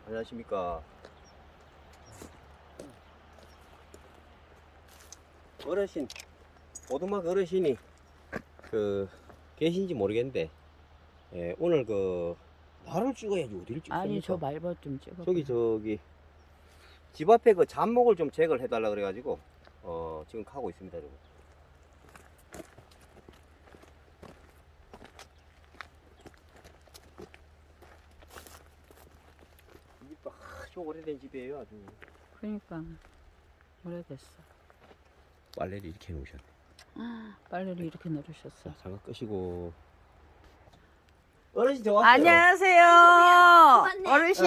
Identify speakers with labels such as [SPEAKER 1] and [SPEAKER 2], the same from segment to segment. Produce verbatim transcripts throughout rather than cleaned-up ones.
[SPEAKER 1] 안녕하십니까. 어르신, 오두막 어르신이 그 계신지 모르겠는데, 예, 오늘 그 나를 찍어야지 어디를 찍습니까?
[SPEAKER 2] 아니 저 말벗 좀 찍어.
[SPEAKER 1] 저기 저기 집 앞에 그 잡목을 좀 제거를 해달라 그래가지고 어 지금 가고 있습니다, 여러분. 이 집도 아주 오래된 집이에요, 아주.
[SPEAKER 2] 그러니까 오래됐어.
[SPEAKER 1] 빨래를 이렇게 해놓으셨네.
[SPEAKER 2] 빨래를 이렇게 내리셨어.
[SPEAKER 1] 자, 장갑 끄시고. 어르신 저 왔어요.
[SPEAKER 2] 안녕하세요, 어르신.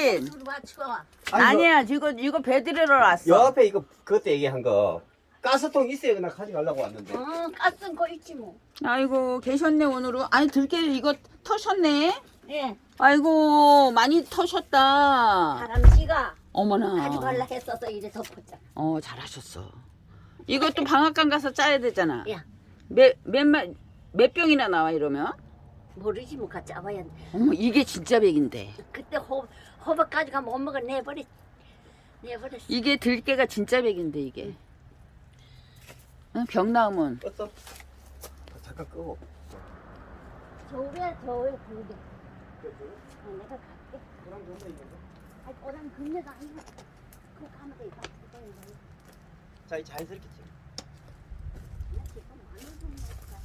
[SPEAKER 1] 아니,
[SPEAKER 2] 아니야, 이거 이거 배 들으러 왔어.
[SPEAKER 1] 요 앞에 이거 그때 얘기한 거 가스통 있어요. 그냥 가져가려고 왔는데.
[SPEAKER 3] 어, 가스는 거 있지 뭐.
[SPEAKER 2] 아이고 계셨네 오늘은. 아니 들깨 이거 터셨네.
[SPEAKER 3] 예,
[SPEAKER 2] 아이고 많이 터셨다.
[SPEAKER 3] 다람쥐가
[SPEAKER 2] 어머나.
[SPEAKER 3] 가져갈라 했어서 이래 덮었잖아.
[SPEAKER 2] 어 잘하셨어. 이것도 방앗간 가서 짜야 되잖아.
[SPEAKER 3] 야,
[SPEAKER 2] 몇몇몇 몇 병이나 나와 이러면?
[SPEAKER 3] 모르지 뭐 같이 잡아야 돼.
[SPEAKER 2] 어머 이게 진짜 백인데.
[SPEAKER 3] 그때 호 호박 가져가면 엄마가 내버리 내버렸어.
[SPEAKER 2] 이게 들깨가 진짜 백인데 이게. 응, 병 나오면.
[SPEAKER 1] 껐어? 아, 잠깐 끄고.
[SPEAKER 3] 저게 저게 그게. 어, 내가 갈게.
[SPEAKER 1] 그럼 좀 더 있는데.
[SPEAKER 3] 아니, 오랑 금내가 아니고 그거 가면 돼. 이거. 이거, 이거.
[SPEAKER 1] 자, 이 자연스럽게 찍어.
[SPEAKER 3] 나 지금 안 오는 거야.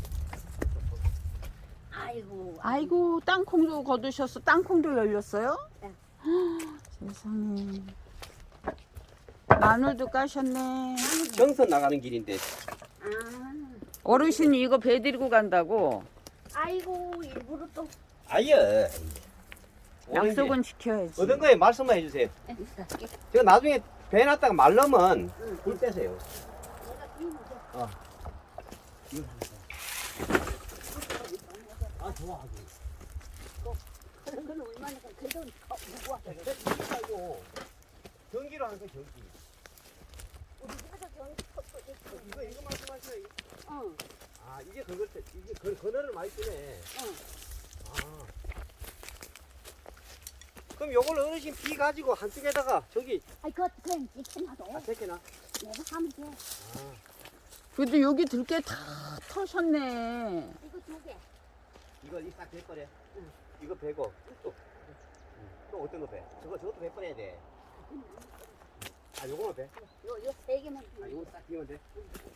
[SPEAKER 3] 아이고.
[SPEAKER 2] 아이고 땅콩도 거두셨어. 땅콩도 열렸어요?
[SPEAKER 3] 네.
[SPEAKER 2] 세상에. 마늘도 까셨네.
[SPEAKER 1] 정선 나가는 길인데.
[SPEAKER 3] 아,
[SPEAKER 2] 어르신이 이거 배 데리고 간다고.
[SPEAKER 3] 아이고 일부러 또.
[SPEAKER 1] 아예.
[SPEAKER 2] 약속은 지켜야지.
[SPEAKER 1] 얻은 거에 말씀만 해주세요.
[SPEAKER 3] 내가
[SPEAKER 1] 제가 나중에 배 놨다가 말르면 불 떼세요.
[SPEAKER 3] 이거
[SPEAKER 1] 어. 아, 좋아.
[SPEAKER 3] 그런 건 얼마나 그래도 무거워.
[SPEAKER 1] 아이고. 전기로 하는 거 전기.
[SPEAKER 3] 우리 집에서 저기 컵도 있고.
[SPEAKER 1] 이거 이거 말씀하세요.
[SPEAKER 3] 어,
[SPEAKER 1] 아, 이게 그걸 때 이게 그 그늘을 많이 뜨네.
[SPEAKER 3] 어.
[SPEAKER 1] 아. 그럼 요걸 어르신 비 가지고 한쪽에다가 저기
[SPEAKER 3] 아이 그거 그냥 이렇게 놔둬.
[SPEAKER 1] 아, 새끼나.
[SPEAKER 3] 내가 하면 돼.
[SPEAKER 1] 아.
[SPEAKER 2] 그래도 여기 들깨 다 터셨네.
[SPEAKER 3] 이거 두 개.
[SPEAKER 1] 이거 이싹 배버려. 응. 이거 배고 또. 응. 또 어떤 거 배? 저거 저것도 배버려야 돼. 아, 요거만 배.
[SPEAKER 3] 요요 세 개만.
[SPEAKER 1] 아, 요거 딱 끼면 돼.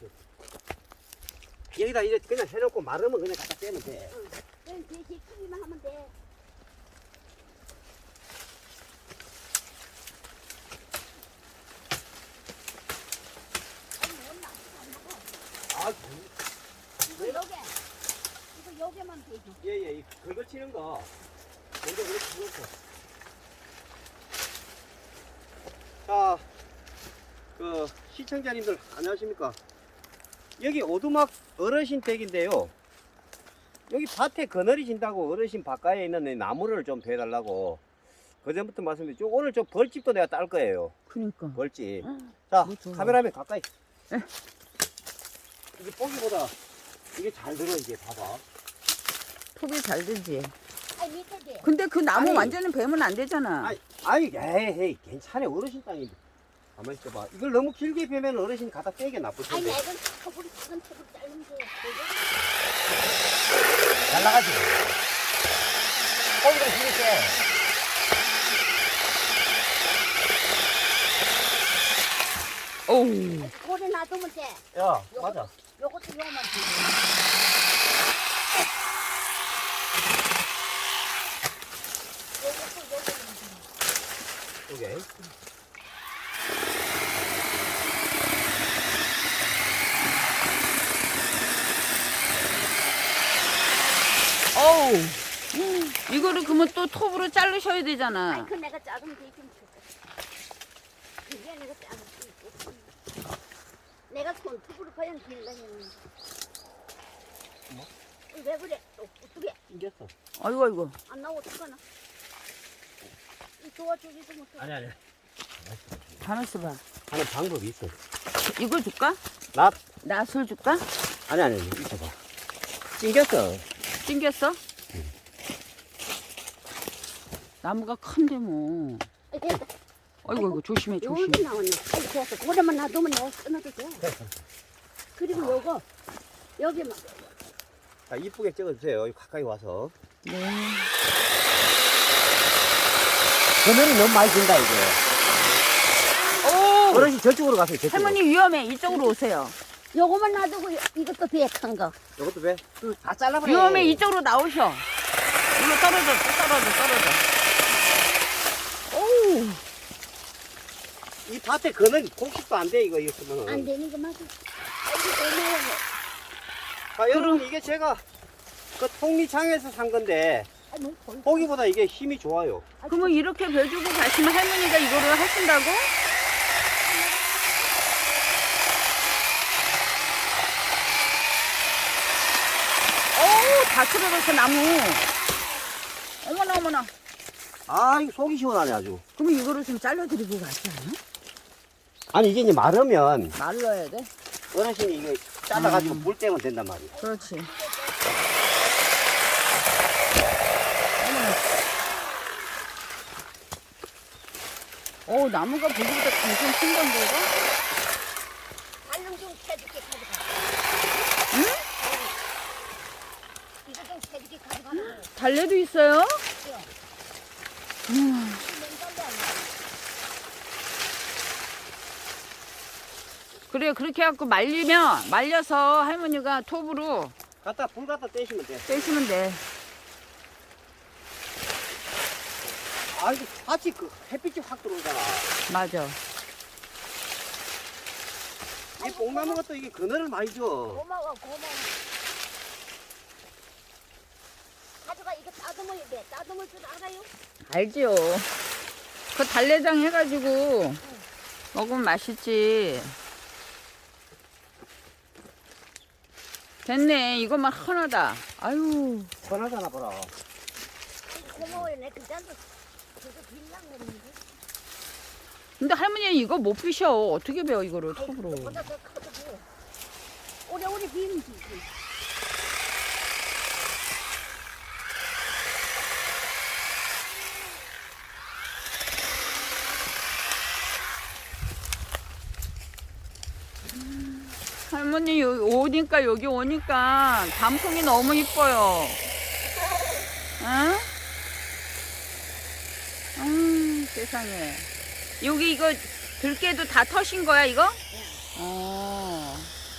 [SPEAKER 1] 여기다 이제 그냥 해놓고 마르면 그냥 갖다 빼면 돼.
[SPEAKER 3] 응. 그냥 대신 크기만 하면 돼.
[SPEAKER 1] 아,
[SPEAKER 3] 이거 요게. 이거 요게만 되지.
[SPEAKER 1] 예예, 이 긁어치는 거 먼저 그렇게 긁었어. 자, 그 시청자님들 안녕하십니까? 여기 오두막 어르신 댁인데요. 여기 밭에 그늘이 진다고 어르신 바깥에 있는 이 나무를 좀 베달라고 그전부터 말씀드렸죠. 오늘 저 벌집도 내가 딸 거예요.
[SPEAKER 2] 그러니까.
[SPEAKER 1] 벌집. 자,
[SPEAKER 2] 뭐 좋아.
[SPEAKER 1] 카메라맨 가까이.
[SPEAKER 2] 에.
[SPEAKER 1] 이게 보기보다 이게 잘 들어. 이게 봐봐.
[SPEAKER 2] 톱이 잘 되지.
[SPEAKER 3] 아이 밑에 돼.
[SPEAKER 2] 근데 그 나무
[SPEAKER 1] 아니.
[SPEAKER 2] 완전히 베면 안 되잖아.
[SPEAKER 1] 아이, 아이, 에이, 에이, 괜찮아. 어르신 땅인데. 가만히 있어봐. 이걸 너무 길게 베면 어르신이 갖다 떼게 나쁠
[SPEAKER 3] 아니
[SPEAKER 1] 텐데.
[SPEAKER 3] 내가 컵으로 작은 컵으로 자르면 돼.
[SPEAKER 1] 잘 나가지. 거기다 길게.
[SPEAKER 2] 어우.
[SPEAKER 3] 오래 놔두면 돼.
[SPEAKER 1] 야, 맞아.
[SPEAKER 3] 요것도 요거만 돼. 요것도 요거만 돼.
[SPEAKER 1] 오케이.
[SPEAKER 2] 어우. 이거를 그러면 또 톱으로 자르셔야
[SPEAKER 3] 아이
[SPEAKER 2] 되잖아.
[SPEAKER 3] 그 내가 작으면 되지 뭐. 그게 내가 작을 수 있고. 내가 손톱으로 그냥 길러 했는데.
[SPEAKER 1] 뭐?
[SPEAKER 3] 왜 그래? 또 어떻게
[SPEAKER 1] 이겼어.
[SPEAKER 2] 아이고 아이고.
[SPEAKER 3] 안 나오고 어떡하나? 이 도와주지도 못해.
[SPEAKER 1] 아니, 아니.
[SPEAKER 2] 가만 있어봐.
[SPEAKER 1] 하는 방법이 있어.
[SPEAKER 2] 이거 줄까?
[SPEAKER 1] 나,
[SPEAKER 2] 낫을 줄까?
[SPEAKER 1] 아니, 아니, 있어봐. 찡겼어.
[SPEAKER 2] 찡겼어? 나무가 큰데 뭐.
[SPEAKER 3] 됐다.
[SPEAKER 2] 아이고 이거 조심해 조심.
[SPEAKER 3] 여기 나왔네. 아이 좋았어. 고래만 놔두면 내가 끊어도 돼. 그리고 요거 여기만.
[SPEAKER 1] 자, 이쁘게 찍어주세요. 여기 가까이 와서.
[SPEAKER 2] 네.
[SPEAKER 1] 그늘이 너무 많이 든다, 이게.
[SPEAKER 2] 오.
[SPEAKER 1] 어르신 저쪽으로 가세요, 저쪽으로.
[SPEAKER 2] 할머니 위험해. 이쪽으로 오세요.
[SPEAKER 3] 요거만 놔두고 요- 이것도 비핵한 거.
[SPEAKER 1] 이것도 왜? 다 잘라버려.
[SPEAKER 2] 위험해. 이쪽으로 나오셔. 이거 떨어져 떨어져 떨어져. 오.
[SPEAKER 1] 이 밭에 그늘 곡식도 안 돼, 이거, 이거 쓰면은.
[SPEAKER 3] 안 되는 거 맞아. 아이고 고마워.
[SPEAKER 1] 아, 여러분, 이게 제가 그 통리창에서 산 건데,
[SPEAKER 3] 아, 뭐 거의-
[SPEAKER 1] 보기보다 이게 힘이 좋아요.
[SPEAKER 2] 그러면 이렇게 배주고 가시면 할머니가 이거를 하신다고? 어우 다 틀어졌어 나무. 어머나 어머나.
[SPEAKER 1] 아, 이거 속이 시원하네, 아주.
[SPEAKER 2] 그러면 이거를 좀 잘라드리고 가지 않아?
[SPEAKER 1] 아니, 이게 이제 마르면
[SPEAKER 2] 말라야 돼?
[SPEAKER 1] 어르신이 이거 잘라가지고 물 떼면 된단 말이에요.
[SPEAKER 2] 그렇지. 어 나무가 보기보다 엄청 큰 건데 이거?
[SPEAKER 3] 달랑 좀 캐줄게 가져가.
[SPEAKER 2] 응?
[SPEAKER 3] 이거 좀 캐줄게 가져가라고.
[SPEAKER 2] 달래도 있어요? 음.
[SPEAKER 3] 맨발로 안 돼.
[SPEAKER 2] 그래 그렇게 해갖고 말리면 말려서 할머니가 톱으로
[SPEAKER 1] 갖다, 불 갖다 떼시면 돼.
[SPEAKER 2] 떼시면 돼.
[SPEAKER 1] 아, 이거 같이 그 햇빛이 확 들어오잖아.
[SPEAKER 2] 맞아.
[SPEAKER 1] 이 뽕나무 것도 이게 그늘을 많이 줘.
[SPEAKER 3] 고마워 고마워. 가져가 이거 따듬어야 돼. 따듬을 줄 알아요?
[SPEAKER 2] 알지요. 그 달래장 해가지고 먹으면 맛있지. 됐네. 이것만 하나다. 아유.
[SPEAKER 1] 편하잖아, 보라.
[SPEAKER 3] 고마워요. 내 그자도 그거 빌랑 그러는데.
[SPEAKER 2] 근데 할머니는 이거 못 피셔. 어떻게 배워 이거를 톱으로.
[SPEAKER 3] 그보다 더 커도 돼. 오래오래 비면 되지.
[SPEAKER 2] 할머니 여기 오니까 여기 오니까 단풍이 너무 이뻐요. 응? 음, 세상에. 여기 이거 들깨도 다 터신 거야 이거? 어.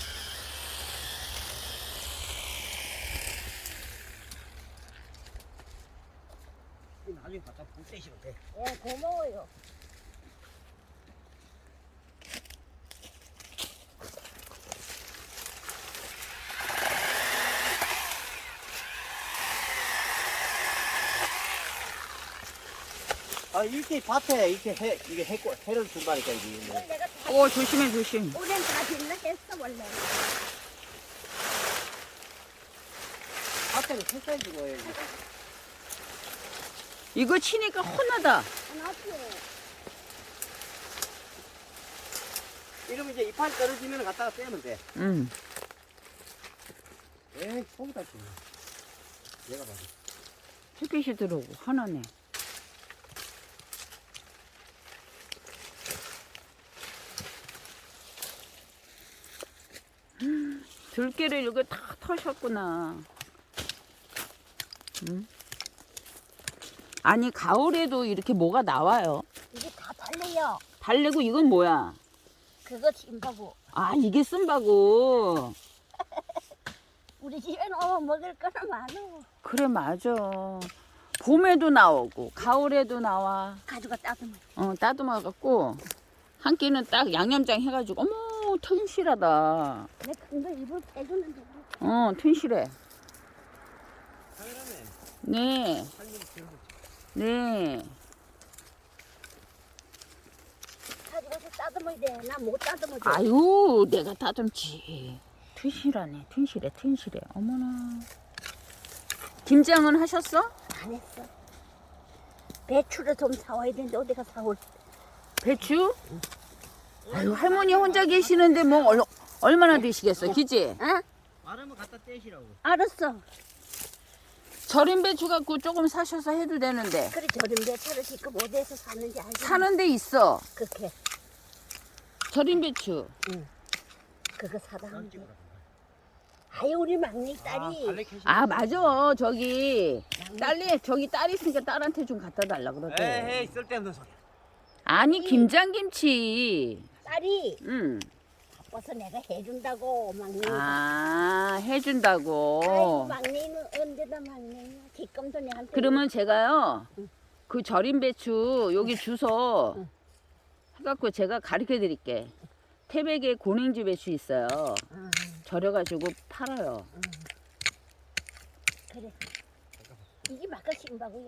[SPEAKER 1] 나중에 갖다 불 떼시면 돼.
[SPEAKER 3] 예, 고마워요.
[SPEAKER 1] 아, 이렇게 밭에 이렇게 해, 이게 해, 해를 준다니까, 이게.
[SPEAKER 3] 이걸 내가 다,
[SPEAKER 2] 오 조심해 조심.
[SPEAKER 3] 올해는 다 빌라 했어, 원래.
[SPEAKER 1] 밭에는 햇살 주고 해야지.
[SPEAKER 2] 이거 치니까 혼나다.
[SPEAKER 3] 하나씩.
[SPEAKER 1] 이러면 이제 이파리 떨어지면 갖다가 떼면 돼.
[SPEAKER 2] 응.
[SPEAKER 1] 에이, 속이 다 지네. 얘가 봐도.
[SPEAKER 2] 햇빛이 들어오고 하나네. 들깨를 이렇게 다 터셨구나. 응? 아니 가을에도 이렇게 뭐가 나와요.
[SPEAKER 3] 이게 다 달래요.
[SPEAKER 2] 달래고 이건 뭐야?
[SPEAKER 3] 그거 짐바고.
[SPEAKER 2] 아 이게 쓴바고.
[SPEAKER 3] 우리 집에는 오면 먹을 거는 많어.
[SPEAKER 2] 그래 맞아. 봄에도 나오고 가을에도 나와.
[SPEAKER 3] 가져가 따듬어.
[SPEAKER 2] 어 따듬어갖고 한 끼는 딱 양념장 해가지고 어머 튼실하다.
[SPEAKER 3] 내 큰 거 입을 빼주는데.
[SPEAKER 2] 어 튼실해.
[SPEAKER 1] 당연하네.
[SPEAKER 2] 네. 네.
[SPEAKER 3] 가져가서 따듬어야 돼. 나 못 따듬어.
[SPEAKER 2] 아유 내가 다듬지. 튼실하네 튼실해 튼실해. 어머나. 김장은 하셨어?
[SPEAKER 3] 안 했어. 배추를 좀 사와야 되는데 어디가 사올?
[SPEAKER 2] 배추? 아유 할머니 혼자 계시는데 뭐 얼, 얼마나 드시겠어, 그지?
[SPEAKER 3] 어?
[SPEAKER 1] 마르면 갖다 떼시라고.
[SPEAKER 3] 알았어.
[SPEAKER 2] 절임 배추 갖고 조금 사셔서 해도 되는데.
[SPEAKER 3] 그래 저런 배차를 지금 어디에서 샀는지 알지?
[SPEAKER 2] 사는 데 있어.
[SPEAKER 3] 그렇게
[SPEAKER 2] 절임 배추.
[SPEAKER 3] 그거 사다 하면 돼. 아유 우리 막내 딸이
[SPEAKER 2] 아 맞아. 저기 딸이 저기 딸이 있으니까 딸한테 좀 갖다 달라 그러대.
[SPEAKER 1] 에이 쓸데없는 소리.
[SPEAKER 2] 아니 김장김치.
[SPEAKER 3] 딸이
[SPEAKER 2] 응.
[SPEAKER 3] 바빠서 내가 해준다고 막내.
[SPEAKER 2] 아
[SPEAKER 3] 아이고
[SPEAKER 2] 해준다고.
[SPEAKER 3] 막내는 언제나 막내야. 뒷검도 내한테.
[SPEAKER 2] 그러면 제가요 그 절임 배추 여기 주소
[SPEAKER 3] 응.
[SPEAKER 2] 해갖고 제가 가르쳐 드릴게. 태백에 고냉지 배추 있어요.
[SPEAKER 3] 아,
[SPEAKER 2] 절여가지고 팔아요.
[SPEAKER 3] 그래. 이게 막가 신바고